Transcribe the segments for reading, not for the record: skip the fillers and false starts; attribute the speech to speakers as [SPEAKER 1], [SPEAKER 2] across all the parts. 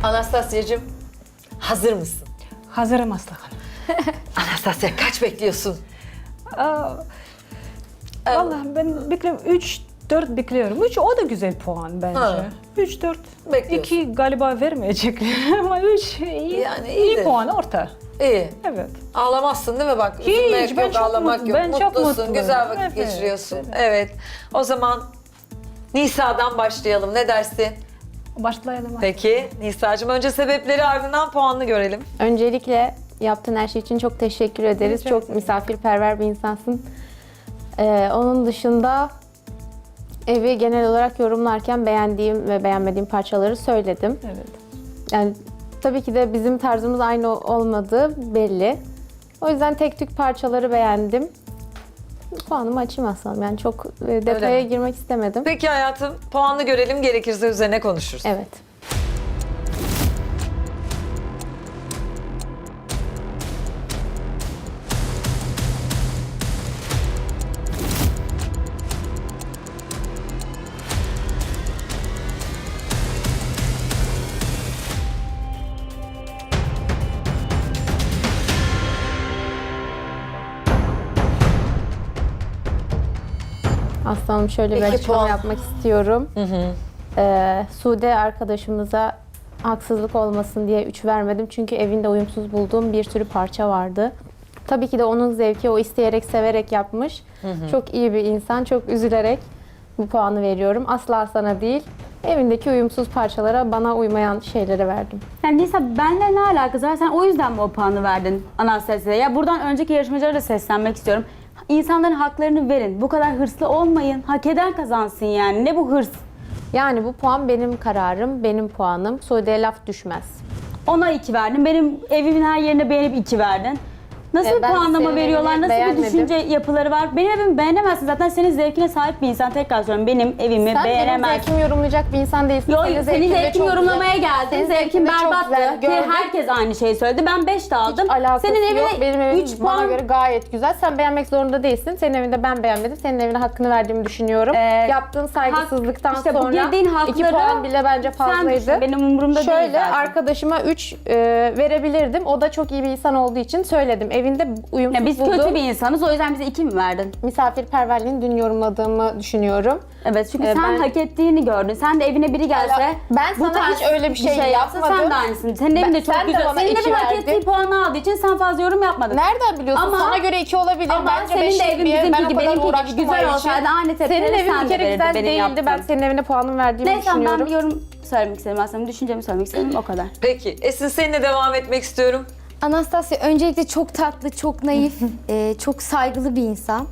[SPEAKER 1] Anastasya'cığım hazır mısın?
[SPEAKER 2] Hazırım Aslı Hanım.
[SPEAKER 1] Anastasya kaç bekliyorsun?
[SPEAKER 2] Vallahi ben bekliyorum 3-4 bekliyorum. 3 o da güzel puan bence.
[SPEAKER 1] Ha.
[SPEAKER 2] 3-4.
[SPEAKER 1] Bekliyorsun.
[SPEAKER 2] 2 galiba vermeyecekler ama 3 iyi.
[SPEAKER 1] Yani
[SPEAKER 2] iyi
[SPEAKER 1] iyidir.
[SPEAKER 2] puan orta.
[SPEAKER 1] İyi.
[SPEAKER 2] Evet.
[SPEAKER 1] Ağlamazsın değil mi bak?
[SPEAKER 2] Hiç,
[SPEAKER 1] Üzülmek
[SPEAKER 2] ben
[SPEAKER 1] yok,
[SPEAKER 2] çok
[SPEAKER 1] ağlamak
[SPEAKER 2] mutlu-
[SPEAKER 1] yok.
[SPEAKER 2] ben çok
[SPEAKER 1] Mutlusun,
[SPEAKER 2] mutluyum.
[SPEAKER 1] güzel vakit
[SPEAKER 2] Evet,
[SPEAKER 1] geçiriyorsun.
[SPEAKER 2] evet.
[SPEAKER 1] Evet. O zaman Nisa'dan başlayalım. Ne dersin?
[SPEAKER 2] Başlayalım.
[SPEAKER 1] Peki Nisa'cığım önce sebepleri ardından puanını görelim.
[SPEAKER 3] Öncelikle yaptığın her şey için çok teşekkür ederiz.
[SPEAKER 2] Rica
[SPEAKER 3] Çok
[SPEAKER 2] ederim.
[SPEAKER 3] misafirperver bir insansın. Onun dışında evi genel olarak yorumlarken beğendiğim ve beğenmediğim parçaları söyledim.
[SPEAKER 2] Evet.
[SPEAKER 3] Yani tabii ki de bizim tarzımız aynı olmadığı belli. O yüzden tek tük parçaları beğendim. Puanımı açayım aslında. Yani çok detaya
[SPEAKER 1] mi?
[SPEAKER 3] girmek istemedim.
[SPEAKER 1] Peki hayatım puanını görelim, gerekirse üzerine konuşuruz.
[SPEAKER 3] Evet. Aslanım şöyle bir
[SPEAKER 1] Peki,
[SPEAKER 3] açıklama
[SPEAKER 1] puan.
[SPEAKER 3] yapmak istiyorum. Sude arkadaşımıza haksızlık olmasın diye 3 vermedim. Çünkü evinde uyumsuz bulduğum bir sürü parça vardı. Tabii ki de onun zevki, o isteyerek, severek yapmış. Çok iyi bir insan, çok üzülerek bu puanı veriyorum. Asla sana değil, evindeki uyumsuz parçalara, bana uymayan şeylere verdim.
[SPEAKER 4] Yani Nisa benimle ne alakası var? Sen o yüzden mi o puanı verdin Anastasya'ya? Ya buradan önceki yarışmacılara da seslenmek istiyorum. İnsanların haklarını verin. Bu kadar hırslı olmayın. Hak eden kazansın yani. Ne bu hırs?
[SPEAKER 3] Yani bu puan benim kararım, benim puanım. Sude'ye laf düşmez.
[SPEAKER 4] Ona 2 verdin. Benim evimin her yerine beğenip 2 verdin. Nasıl bir
[SPEAKER 3] Ben
[SPEAKER 4] puanlama
[SPEAKER 3] senin
[SPEAKER 4] veriyorlar?
[SPEAKER 3] evini
[SPEAKER 4] Nasıl bir
[SPEAKER 3] beğenmedim.
[SPEAKER 4] düşünce yapıları var? Benim evimi beğenemezsin. Zaten senin zevkine sahip bir insan. Tekrar söylüyorum. Benim evimi
[SPEAKER 3] Sen benim
[SPEAKER 4] beğenemezsin.
[SPEAKER 3] zevkimi yorumlayacak bir insan değilsin.
[SPEAKER 4] Yok,
[SPEAKER 3] Senin
[SPEAKER 4] senin
[SPEAKER 3] de
[SPEAKER 4] zevkini
[SPEAKER 3] çok
[SPEAKER 4] yorumlamaya
[SPEAKER 3] güzel.
[SPEAKER 4] geldin.
[SPEAKER 3] Senin
[SPEAKER 4] Zevkin
[SPEAKER 3] zevkin de çok
[SPEAKER 4] berbattı.
[SPEAKER 3] güzel.
[SPEAKER 4] Ki
[SPEAKER 3] Gördüm.
[SPEAKER 4] herkes aynı şeyi söyledi. Ben 5 de aldım.
[SPEAKER 3] Alakası
[SPEAKER 4] Senin
[SPEAKER 3] yok. Benim
[SPEAKER 4] evine
[SPEAKER 3] evim
[SPEAKER 4] 3
[SPEAKER 3] bana
[SPEAKER 4] puan.
[SPEAKER 3] göre gayet güzel. Sen beğenmek zorunda değilsin. Senin evinde ben beğenmedim. Senin evine hakkını verdiğimi düşünüyorum. Yaptığın saygısızlıktan
[SPEAKER 4] işte bu
[SPEAKER 3] sonra
[SPEAKER 4] girdiğin
[SPEAKER 3] 2
[SPEAKER 4] hakları
[SPEAKER 3] puan bile bence
[SPEAKER 4] Sen
[SPEAKER 3] fazlaydı.
[SPEAKER 4] düşün, benim umurumda değil
[SPEAKER 3] Şöyle
[SPEAKER 4] zaten.
[SPEAKER 3] arkadaşıma 3 verebilirdim. O da çok iyi bir insan olduğu için söyledim. Evinde uyumsuz
[SPEAKER 4] Ya biz
[SPEAKER 3] bulduğum
[SPEAKER 4] kötü bir insanız. O yüzden bize 2 mi verdin?
[SPEAKER 3] misafirperverliğini dün yorumladığımı düşünüyorum.
[SPEAKER 4] Evet çünkü sen
[SPEAKER 3] ben-
[SPEAKER 4] hak ettiğini gördün. Sen de evine biri gelse
[SPEAKER 3] Ben sana
[SPEAKER 4] tarz
[SPEAKER 3] hiç öyle bir şey
[SPEAKER 4] yapsa
[SPEAKER 3] yapmadım.
[SPEAKER 4] sen de aynısın. Senin evin de çok
[SPEAKER 3] sen de
[SPEAKER 4] güzel.
[SPEAKER 3] bana
[SPEAKER 4] Senin
[SPEAKER 3] iki
[SPEAKER 4] evin hak
[SPEAKER 3] verdin.
[SPEAKER 4] ettiği puanı aldığı için sen fazla yorum yapmadın.
[SPEAKER 3] Nereden biliyorsun?
[SPEAKER 4] Ama-
[SPEAKER 3] Sana göre 2 olabilir.
[SPEAKER 4] Ama
[SPEAKER 3] Bence
[SPEAKER 4] senin
[SPEAKER 3] 5
[SPEAKER 4] de evin
[SPEAKER 3] diye ben
[SPEAKER 4] bizimki
[SPEAKER 3] o
[SPEAKER 4] gibi,
[SPEAKER 3] kadar
[SPEAKER 4] benimki gibi
[SPEAKER 3] uğraştım
[SPEAKER 4] güzel
[SPEAKER 3] o için.
[SPEAKER 4] olsaydı aynı tepkileri
[SPEAKER 3] Senin evin
[SPEAKER 4] sen
[SPEAKER 3] bir
[SPEAKER 4] de
[SPEAKER 3] kere
[SPEAKER 4] verirdin,
[SPEAKER 3] güzel
[SPEAKER 4] benim
[SPEAKER 3] değildi.
[SPEAKER 4] yaptığım.
[SPEAKER 3] Ben senin evine puanımı verdiğimi
[SPEAKER 4] Neyse ben
[SPEAKER 3] düşünüyorum.
[SPEAKER 4] bir yorum söylemek istedim aslında. Düşüncemi söylemek istedim o kadar.
[SPEAKER 1] Peki Esin seninle devam etmek istiyorum.
[SPEAKER 5] Anastasya öncelikle çok tatlı, çok naif, çok saygılı bir insan.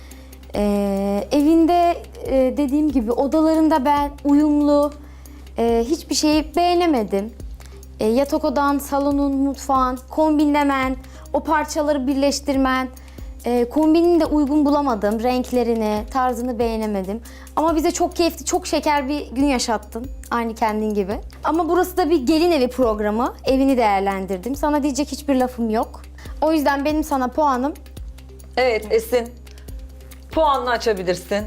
[SPEAKER 5] Evinde dediğim gibi odalarında ben uyumlu, hiçbir şeyi beğenemedim. Yatak odan, salonun, mutfağın, kombinlemen, o parçaları birleştirmen, kombinini de uygun bulamadım, renklerini, tarzını beğenemedim. Ama bize çok keyifli, çok şeker bir gün yaşattın, aynı kendin gibi. Ama burası da bir gelin evi programı, evini değerlendirdim. Sana diyecek hiçbir lafım yok. O yüzden benim sana puanım
[SPEAKER 1] Evet Esin puanını açabilirsin.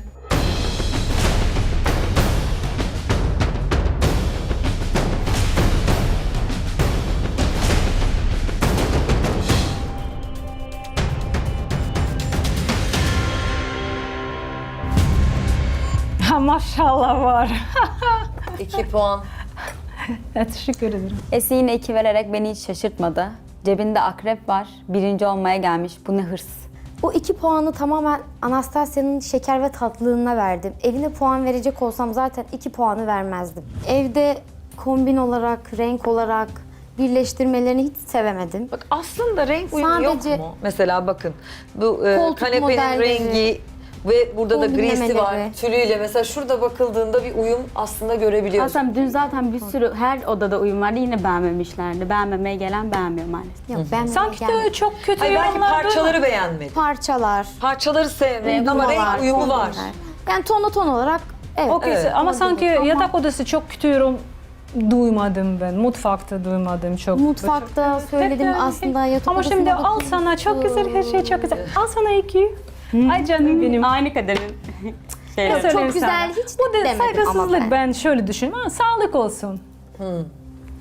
[SPEAKER 2] Ha, maşallah var.
[SPEAKER 1] 2 puan.
[SPEAKER 2] Teşekkür ederim.
[SPEAKER 4] Esin yine 2 vererek beni hiç şaşırtmadı. Cebinde akrep var. Birinci olmaya gelmiş. Bu ne hırs.
[SPEAKER 5] O 2 puanı tamamen Anastasya'nın şeker ve tatlılığına verdim. Evine puan verecek olsam zaten 2 puanı vermezdim. Evde kombin olarak, renk olarak birleştirmelerini hiç sevemedim.
[SPEAKER 1] Bak aslında renk uyumu
[SPEAKER 5] Sadece-
[SPEAKER 1] yok mu? Mesela bakın bu
[SPEAKER 5] Koltuk
[SPEAKER 1] kanepenin
[SPEAKER 5] modelleri,
[SPEAKER 1] rengi ve burada da grisi var.
[SPEAKER 5] kombinlemeleri.
[SPEAKER 1] Tülüyle mesela şurada bakıldığında bir uyum aslında görebiliyorsun.
[SPEAKER 4] Aslında dün zaten bir sürü her odada uyum vardı. Yine beğenmemişlerdi. Beğenmemeye gelen beğenmiyor maalesef.
[SPEAKER 5] Yok ben
[SPEAKER 2] Sanki de çok kötü
[SPEAKER 1] Hayır, belki
[SPEAKER 2] yorumlar
[SPEAKER 1] parçaları beğenmedin.
[SPEAKER 5] parçalar,
[SPEAKER 1] Parçaları sevmedin ama renk uyumu var.
[SPEAKER 5] kombinler. Yani ton olarak evet.
[SPEAKER 2] Okey,
[SPEAKER 1] Evet.
[SPEAKER 2] ama sanki yatak odası çok kötü yorum duymadım ben. Mutfakta duymadım çok.
[SPEAKER 5] Mutfakta söyledim
[SPEAKER 2] Tekrar-
[SPEAKER 5] aslında yatak
[SPEAKER 2] Ama şimdi
[SPEAKER 5] odasında da
[SPEAKER 2] al sana çok güzel, her şey çok güzel. Al sana 2. Ay canım benim.
[SPEAKER 4] Aynı kaderin şeyleri.
[SPEAKER 2] Söyleyeyim
[SPEAKER 5] Çok güzel,
[SPEAKER 2] sana.
[SPEAKER 5] hiç
[SPEAKER 2] Bu da
[SPEAKER 5] demedim ama
[SPEAKER 2] saygısızlık
[SPEAKER 5] ben.
[SPEAKER 2] ben şöyle düşünüyorum. Ama sağlık olsun.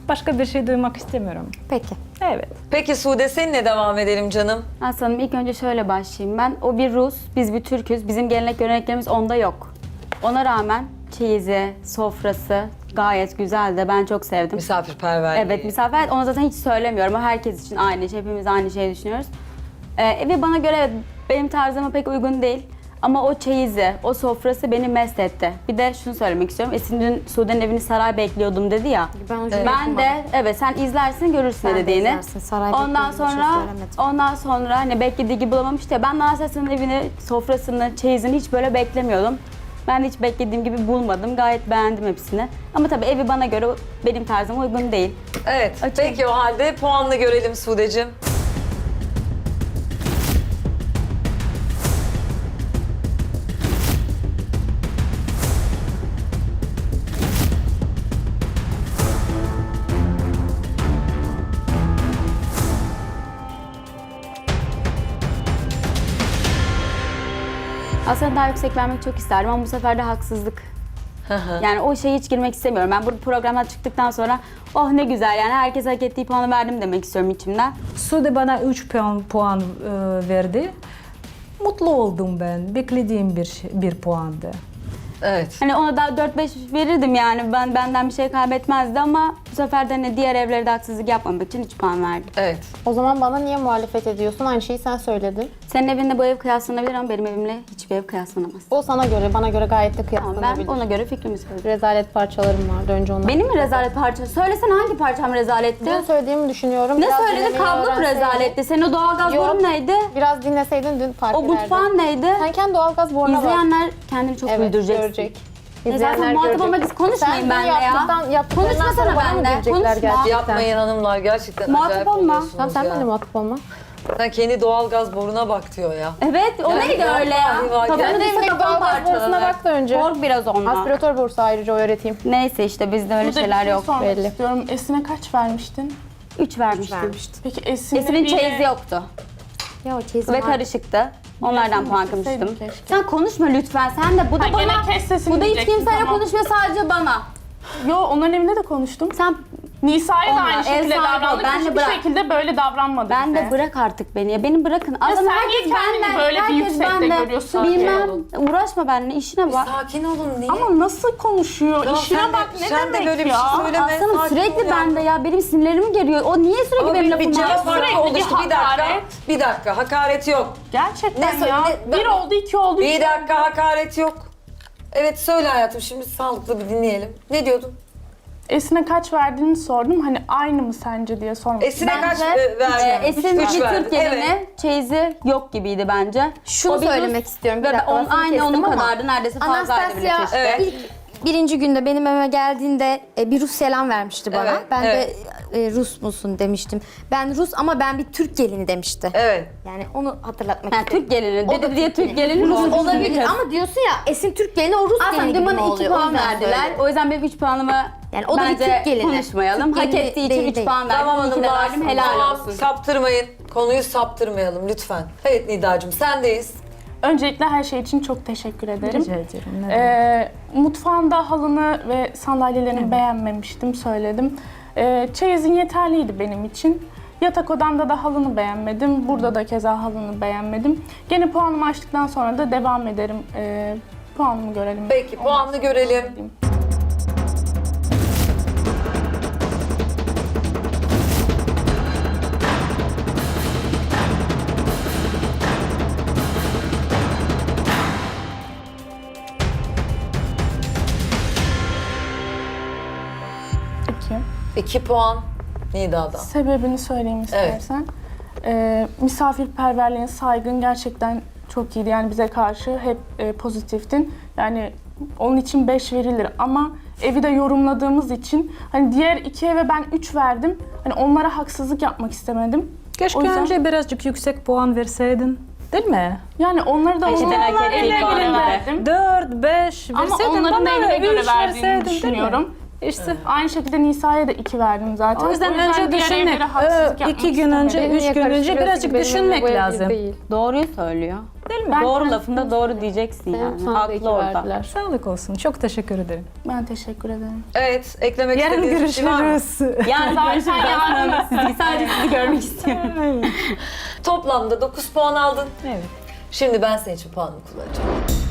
[SPEAKER 2] Başka bir şey duymak istemiyorum.
[SPEAKER 5] Peki.
[SPEAKER 2] Evet.
[SPEAKER 1] Peki Sude seninle devam edelim canım.
[SPEAKER 4] Aslanım ilk önce şöyle başlayayım ben. O bir Rus, biz bir Türk'üz. Bizim gelenek göreneklerimiz onda yok. Ona rağmen çeyizi, sofrası gayet güzeldi. Ben çok sevdim.
[SPEAKER 1] Misafirperver.
[SPEAKER 4] Evet, misafir. Onu zaten hiç söylemiyorum. O herkes için aynı şey. Hepimiz aynı şeyi düşünüyoruz. Ve bana göre evet, benim tarzıma pek uygun değil. Ama o çeyizi, o sofrası beni mest etti. Bir de şunu söylemek istiyorum. Esin dün Sude'nin evini saray bekliyordum dedi ya.
[SPEAKER 5] Ben o
[SPEAKER 4] Ben de evet sen izlersin görürsün
[SPEAKER 5] Sen
[SPEAKER 4] ne
[SPEAKER 5] de
[SPEAKER 4] dediğini.
[SPEAKER 5] izlersin, saray
[SPEAKER 4] Ondan
[SPEAKER 5] beklediğim bir şey
[SPEAKER 4] sonra
[SPEAKER 5] söylemedim.
[SPEAKER 4] hani beklediği gibi bulamamıştı ya. Ben Narses'in evini, sofrasını, çeyizini hiç böyle beklemiyordum. Ben de hiç beklediğim gibi bulmadım. Gayet beğendim hepsini. Ama tabii evi bana göre benim tarzıma uygun değil.
[SPEAKER 1] Evet. Peki o halde puanını görelim Sude'cim.
[SPEAKER 4] Aslında daha yüksek vermek çok isterdim ama bu sefer de haksızlık. Yani o şeye hiç girmek istemiyorum. Ben bu programdan çıktıktan sonra oh ne güzel yani herkes hak ettiği puanı verdim demek istiyorum içimden.
[SPEAKER 2] Sude bana 3 puan verdi. Mutlu oldum ben. Beklediğim bir puandı.
[SPEAKER 1] Evet.
[SPEAKER 4] Hani ona daha 4-5 verirdim yani benden bir şey kaybetmezdi ama bu sefer de hani diğer evlere de haksızlık yapmamak için 3 puan verdim.
[SPEAKER 1] Evet.
[SPEAKER 3] O zaman bana niye muhalefet ediyorsun? Aynı şeyi sen söyledin.
[SPEAKER 4] Senin evinde bu ev kıyaslanabilir ama benim evimle hiçbir ev kıyaslanamaz.
[SPEAKER 3] O sana göre, bana göre gayet de
[SPEAKER 4] Ama ben
[SPEAKER 3] kıyaslanabilir.
[SPEAKER 4] ona göre fikrimi söyledim.
[SPEAKER 3] Rezalet parçalarım vardı önce ondan.
[SPEAKER 4] Benim mi rezalet parça? Söylesene hangi parçam rezaletti?
[SPEAKER 3] Dün söylediğimi düşünüyorum.
[SPEAKER 4] Ne
[SPEAKER 3] Biraz
[SPEAKER 4] söyledin?
[SPEAKER 3] dinlemeyi
[SPEAKER 4] Kablo mu
[SPEAKER 3] öğrenseydin.
[SPEAKER 4] rezaletti? Senin o doğalgaz
[SPEAKER 3] Yok.
[SPEAKER 4] borun neydi?
[SPEAKER 3] Biraz dinleseydin dün fark
[SPEAKER 4] O
[SPEAKER 3] ederdin.
[SPEAKER 4] mutfağın neydi?
[SPEAKER 3] Sen kendi doğalgaz boruna bak.
[SPEAKER 4] İzleyenler kendini çok
[SPEAKER 3] Evet,
[SPEAKER 4] güldüreceksin.
[SPEAKER 3] görecek.
[SPEAKER 4] Zaten muhatap olmak için konuşmayın benimle ya. Konuşmasana benimle, konuşma.
[SPEAKER 3] Gerçekten.
[SPEAKER 1] Yapmayın hanımlar gerçekten
[SPEAKER 4] Muhatap
[SPEAKER 1] acayip
[SPEAKER 4] olma.
[SPEAKER 1] oluyorsunuz
[SPEAKER 3] Tamam sen
[SPEAKER 1] ya.
[SPEAKER 3] benimle muhatap olma.
[SPEAKER 1] Sen kendi doğalgaz boruna bak diyor ya.
[SPEAKER 4] Evet, o
[SPEAKER 1] Yani
[SPEAKER 4] neydi öyle ya?
[SPEAKER 1] vallahi
[SPEAKER 4] Tabanı
[SPEAKER 1] kendi
[SPEAKER 4] değilse
[SPEAKER 3] evindeki
[SPEAKER 4] kapan
[SPEAKER 3] doğalgaz borusuna
[SPEAKER 4] parçalanır.
[SPEAKER 3] bak da önce.
[SPEAKER 4] Kork biraz ondan.
[SPEAKER 3] Aspiratör borusu ayrıca öğreteyim.
[SPEAKER 4] Neyse işte bizde öyle
[SPEAKER 6] Burada
[SPEAKER 4] şeyler
[SPEAKER 6] bir şey
[SPEAKER 4] yok.
[SPEAKER 6] sormak
[SPEAKER 3] belli.
[SPEAKER 6] istiyorum. Esin'e kaç vermiştin?
[SPEAKER 4] 3 vermiştim.
[SPEAKER 6] Peki Esin'le
[SPEAKER 4] Esin'in
[SPEAKER 6] bir-
[SPEAKER 4] çeyizi yoktu
[SPEAKER 5] Ya o çeyiz
[SPEAKER 4] ve
[SPEAKER 5] var.
[SPEAKER 4] karışıktı. Onlardan
[SPEAKER 6] Esin'le
[SPEAKER 4] puan
[SPEAKER 6] isteseydim
[SPEAKER 4] kırmıştım.
[SPEAKER 6] keşke.
[SPEAKER 4] Sen konuşma lütfen. Sen de bu da
[SPEAKER 6] Ha, gene
[SPEAKER 4] bana.
[SPEAKER 6] kes sesini
[SPEAKER 4] Bu da hiç
[SPEAKER 6] diyeceksin,
[SPEAKER 4] kimseyle
[SPEAKER 6] tamam.
[SPEAKER 4] konuşmuyor sadece bana.
[SPEAKER 6] Yo onların evinde de konuştum.
[SPEAKER 4] Sen
[SPEAKER 6] Nisa'ya da
[SPEAKER 4] Onlar,
[SPEAKER 6] aynı
[SPEAKER 4] ev
[SPEAKER 6] şekilde
[SPEAKER 4] sahibi ol,
[SPEAKER 6] davrandık.
[SPEAKER 4] ben de
[SPEAKER 6] Hiçbir
[SPEAKER 4] bırak.
[SPEAKER 6] şekilde böyle davranmadı
[SPEAKER 4] ben
[SPEAKER 6] bize.
[SPEAKER 4] de bırak artık beni ya. Beni bırakın. Adam
[SPEAKER 6] sen
[SPEAKER 4] herkes
[SPEAKER 6] niye kendini
[SPEAKER 4] benden,
[SPEAKER 6] böyle bir
[SPEAKER 4] herkes
[SPEAKER 6] yüksekte
[SPEAKER 4] benden.
[SPEAKER 6] görüyorsun
[SPEAKER 1] ki?
[SPEAKER 4] Bilmem. Uğraşma benimle. işine bak.
[SPEAKER 1] Sakin olun niye?
[SPEAKER 6] Ama nasıl konuşuyor?
[SPEAKER 1] Tamam,
[SPEAKER 6] İşine
[SPEAKER 1] sen de-
[SPEAKER 6] bak ne
[SPEAKER 1] sen de
[SPEAKER 6] demek
[SPEAKER 1] böyle bir
[SPEAKER 6] ya?
[SPEAKER 1] şey söyleme.
[SPEAKER 4] Aslanım
[SPEAKER 1] sakin ol
[SPEAKER 4] sürekli
[SPEAKER 1] ya.
[SPEAKER 4] bende ya. Benim sinirlerim geliyor. O niye sürekli
[SPEAKER 1] Ama
[SPEAKER 4] benim
[SPEAKER 1] bir
[SPEAKER 4] lafımı
[SPEAKER 1] cevap
[SPEAKER 4] yapıyor?
[SPEAKER 6] sürekli
[SPEAKER 1] farkı oluştu.
[SPEAKER 6] bir
[SPEAKER 1] Bir dakika.
[SPEAKER 6] hakaret.
[SPEAKER 1] Bir dakika. Hakaret yok.
[SPEAKER 6] Gerçekten
[SPEAKER 1] Ne
[SPEAKER 6] ya.
[SPEAKER 1] ne-
[SPEAKER 6] Bir oldu, iki oldu.
[SPEAKER 1] Bir
[SPEAKER 6] üç
[SPEAKER 1] dakika hakaret yok. Evet söyle hayatım şimdi sağlıklı bir dinleyelim. Ne diyordun?
[SPEAKER 6] Esin'e kaç verdiğini sordum. Hani aynı mı sence diye sormak
[SPEAKER 1] Esine kaç verdin?
[SPEAKER 4] Esin
[SPEAKER 1] Üç
[SPEAKER 4] bir
[SPEAKER 1] verdin.
[SPEAKER 4] Türk gelini
[SPEAKER 1] Evet.
[SPEAKER 4] çeyizi yok gibiydi bence.
[SPEAKER 5] Şunu
[SPEAKER 4] O bir
[SPEAKER 5] söylemek
[SPEAKER 4] Rus-
[SPEAKER 5] istiyorum. Bir
[SPEAKER 4] Ve
[SPEAKER 5] dakika, lafını
[SPEAKER 4] aynı
[SPEAKER 5] kestim
[SPEAKER 4] onun
[SPEAKER 5] ama
[SPEAKER 4] kadardı. Neredeyse fazlaydı bile
[SPEAKER 5] Anastasya
[SPEAKER 4] çeşitli.
[SPEAKER 1] Evet.
[SPEAKER 5] ilk birinci günde benim evime geldiğinde bir Rus selam vermişti bana.
[SPEAKER 1] Evet,
[SPEAKER 5] Ben
[SPEAKER 1] evet.
[SPEAKER 5] de Rus musun demiştim. Ben Rus ama ben bir Türk gelini demişti.
[SPEAKER 1] Evet.
[SPEAKER 5] Yani onu hatırlatmak
[SPEAKER 4] Ha,
[SPEAKER 5] istedim.
[SPEAKER 4] Türk gelini.
[SPEAKER 5] O da
[SPEAKER 4] Dedi diye
[SPEAKER 5] Türk
[SPEAKER 4] Türk gelini Rus
[SPEAKER 5] Olabilir ama diyorsun ya Esin Türk gelini o Rus
[SPEAKER 4] Aslında
[SPEAKER 5] gelini
[SPEAKER 4] dün
[SPEAKER 5] gibi mi
[SPEAKER 4] bana 2
[SPEAKER 5] oluyor? O
[SPEAKER 4] puan
[SPEAKER 5] yüzden
[SPEAKER 4] verdiler.
[SPEAKER 5] söyledim.
[SPEAKER 4] O yüzden benim 3 puanımı
[SPEAKER 5] Yani o da bir
[SPEAKER 4] bence
[SPEAKER 5] Türk gelini.
[SPEAKER 4] konuşmayalım.
[SPEAKER 5] Türk
[SPEAKER 4] Hak
[SPEAKER 5] gelini
[SPEAKER 4] ettiği için
[SPEAKER 5] değil,
[SPEAKER 4] 3
[SPEAKER 5] değil.
[SPEAKER 4] puan verdim.
[SPEAKER 1] Tamam
[SPEAKER 4] İyi ki de
[SPEAKER 1] hanımlar.
[SPEAKER 4] verdim. Helal
[SPEAKER 1] Tamam,
[SPEAKER 4] olsun.
[SPEAKER 1] saptırmayın. Konuyu saptırmayalım lütfen. Evet Nidacığım sendeyiz.
[SPEAKER 6] Öncelikle her şey için çok teşekkür ederim.
[SPEAKER 2] Rica ederim. Ne demek.
[SPEAKER 6] Mutfağında halını ve sandalyelerini beğenmemiştim, söyledim. Çeyizin yeterliydi benim için. Yatak odamda da halını beğenmedim. Burada da keza halını beğenmedim. Gene puanımı açtıktan sonra da devam ederim. Puanımı görelim.
[SPEAKER 1] Peki puanını görelim.
[SPEAKER 6] İki.
[SPEAKER 1] 2 puan Nida'dan.
[SPEAKER 6] Sebebini söyleyeyim istersen. Misafirperverliğin, saygın gerçekten çok iyiydi. Yani bize karşı hep pozitiftin. Yani onun için 5 verilir ama evi de yorumladığımız için hani diğer iki eve ben 3 verdim. Hani onlara haksızlık yapmak istemedim.
[SPEAKER 2] Keşke
[SPEAKER 6] o yüzden-
[SPEAKER 2] önce birazcık yüksek puan verseydin. Değil mi?
[SPEAKER 6] Yani onları da
[SPEAKER 4] Eşit'in hak ettiği
[SPEAKER 6] evine
[SPEAKER 4] puanı
[SPEAKER 6] göre
[SPEAKER 4] ver.
[SPEAKER 6] verdim.
[SPEAKER 2] 4, 5
[SPEAKER 6] Ama
[SPEAKER 2] verseydin
[SPEAKER 6] onların
[SPEAKER 2] bana
[SPEAKER 6] evine göre
[SPEAKER 2] 3
[SPEAKER 6] verdiğini
[SPEAKER 2] verseydin, değil mi?
[SPEAKER 6] düşünüyorum.
[SPEAKER 2] İşte
[SPEAKER 6] Aynı şekilde Nisa'ya da 2 verdim zaten.
[SPEAKER 2] o yüzden önce
[SPEAKER 6] diğer
[SPEAKER 2] düşünmek.
[SPEAKER 6] evlere haksızlık yapmak
[SPEAKER 2] 2 gün önce,
[SPEAKER 6] istemedim.
[SPEAKER 2] 3 gün önce
[SPEAKER 3] Karıştırıyorsun
[SPEAKER 2] birazcık
[SPEAKER 3] benimle,
[SPEAKER 2] düşünmek
[SPEAKER 3] bu evli
[SPEAKER 2] lazım.
[SPEAKER 3] Değil.
[SPEAKER 4] Doğruyu söylüyor.
[SPEAKER 2] Değil mi?
[SPEAKER 4] Doğru lafında doğru diyeceksin
[SPEAKER 3] Benim
[SPEAKER 4] yani.
[SPEAKER 3] sana da 2
[SPEAKER 4] Haklı orada.
[SPEAKER 3] verdiler.
[SPEAKER 2] Sağlık olsun. Çok teşekkür ederim.
[SPEAKER 6] Ben teşekkür ederim.
[SPEAKER 1] Evet, eklemek
[SPEAKER 2] Yarın
[SPEAKER 1] istediğiniz bir şey var mı?
[SPEAKER 2] görüşürüz.
[SPEAKER 4] Yani
[SPEAKER 6] Zaten
[SPEAKER 4] görüşürüz.
[SPEAKER 6] yarın-
[SPEAKER 4] Aslında sadece sizi görmek istiyorum.
[SPEAKER 1] Toplamda 9 puan aldın.
[SPEAKER 2] Evet.
[SPEAKER 1] Şimdi ben senin için puanımı kullanacağım.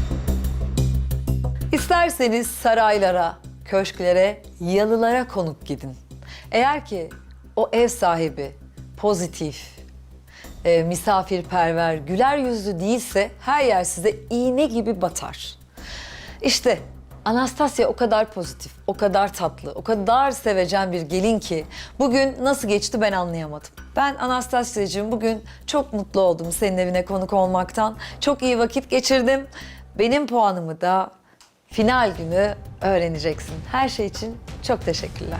[SPEAKER 1] İsterseniz saraylara, köşklere, yalılara konuk gidin. Eğer ki o ev sahibi pozitif, misafirperver, güler yüzlü değilse her yer size iğne gibi batar. İşte Anastasia o kadar pozitif, o kadar tatlı, o kadar sevecen bir gelin ki bugün nasıl geçti ben anlayamadım. Ben Anastasia'cığım bugün çok mutlu oldum senin evine konuk olmaktan. Çok iyi vakit geçirdim. Benim puanımı da final günü öğreneceksin. Her şey için çok teşekkürler.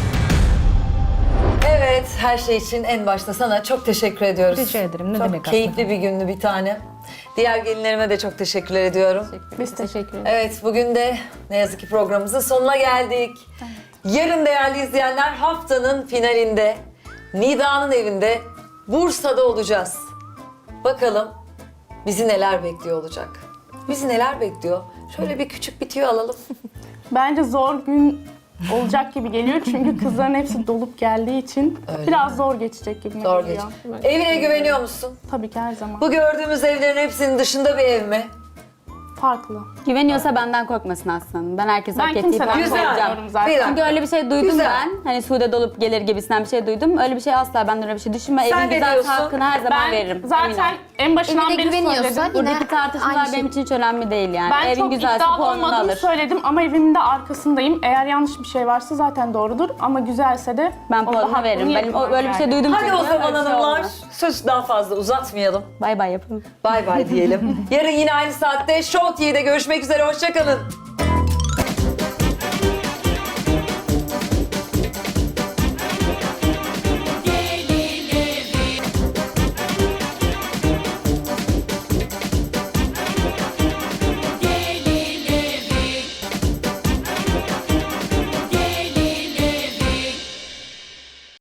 [SPEAKER 1] Evet, her şey için en başta sana çok teşekkür ediyoruz.
[SPEAKER 2] Rica ederim, ne
[SPEAKER 1] çok
[SPEAKER 2] demek
[SPEAKER 1] keyifli bir gündü bir tane. Diğer gelinlerime de çok teşekkürler ediyorum.
[SPEAKER 3] Biz teşekkür ederiz.
[SPEAKER 1] Evet, bugün de ne yazık ki programımızın sonuna geldik. Yarın değerli izleyenler haftanın finalinde Nida'nın evinde Bursa'da olacağız. Bakalım bizi neler bekliyor olacak. Bizi neler bekliyor? Şöyle bir küçük bir tüyo alalım.
[SPEAKER 6] Bence zor gün olacak gibi geliyor çünkü kızların hepsi dolup geldiği için biraz zor geçecek gibi
[SPEAKER 1] Zor
[SPEAKER 6] geliyor.
[SPEAKER 1] geç. Evine güveniyor musun?
[SPEAKER 6] Tabii ki her zaman.
[SPEAKER 1] Bu gördüğümüz evlerin hepsinin dışında bir ev mi?
[SPEAKER 6] Farklı.
[SPEAKER 4] Güveniyorsa benden korkmasın aslanım. Ben herkese
[SPEAKER 6] Ben
[SPEAKER 4] hak ettiği
[SPEAKER 6] kimseden
[SPEAKER 1] Güzel.
[SPEAKER 6] korkmuyorum zaten.
[SPEAKER 1] Bir dakika.
[SPEAKER 4] Çünkü öyle bir şey duydum
[SPEAKER 1] Güzel.
[SPEAKER 4] ben. Hani Sude dolup gelir gibisinden bir şey duydum. Öyle bir şey asla benden öyle bir şey düşünme.
[SPEAKER 1] Sen
[SPEAKER 4] Evin
[SPEAKER 1] ne
[SPEAKER 4] güzel
[SPEAKER 1] diyorsun?
[SPEAKER 4] hakkını her zaman
[SPEAKER 6] Ben
[SPEAKER 4] veririm. Emin
[SPEAKER 6] zaten
[SPEAKER 4] ol.
[SPEAKER 6] en başından
[SPEAKER 5] Evine
[SPEAKER 6] beri
[SPEAKER 5] güveniyorsa
[SPEAKER 6] söyledim.
[SPEAKER 5] yine
[SPEAKER 4] Buradaki tartışmalar
[SPEAKER 5] aynı
[SPEAKER 4] benim
[SPEAKER 5] şey.
[SPEAKER 4] için hiç önemli değil yani.
[SPEAKER 6] Ben
[SPEAKER 4] Evin
[SPEAKER 6] çok
[SPEAKER 4] güzelse
[SPEAKER 6] iddialı
[SPEAKER 4] puanını
[SPEAKER 6] olmadığımı
[SPEAKER 4] alır.
[SPEAKER 6] söyledim ama evimin de arkasındayım. Eğer yanlış bir şey varsa zaten doğrudur ama güzelse de
[SPEAKER 4] Ben
[SPEAKER 6] orada
[SPEAKER 4] puanını
[SPEAKER 6] hakkını
[SPEAKER 4] veririm. Benim
[SPEAKER 6] yapmam
[SPEAKER 4] öyle bir şey
[SPEAKER 6] yani.
[SPEAKER 4] duydum.
[SPEAKER 1] Hadi o
[SPEAKER 4] çünkü.
[SPEAKER 1] zaman
[SPEAKER 4] Öyle bir şey
[SPEAKER 1] hanımlar,
[SPEAKER 4] olmaz.
[SPEAKER 1] söz daha fazla uzatmayalım.
[SPEAKER 4] Bay bay yapın.
[SPEAKER 1] Bay bay diyelim. Yarın yine aynı saatte Show TV'de görüşmek üzere, hoşça kalın.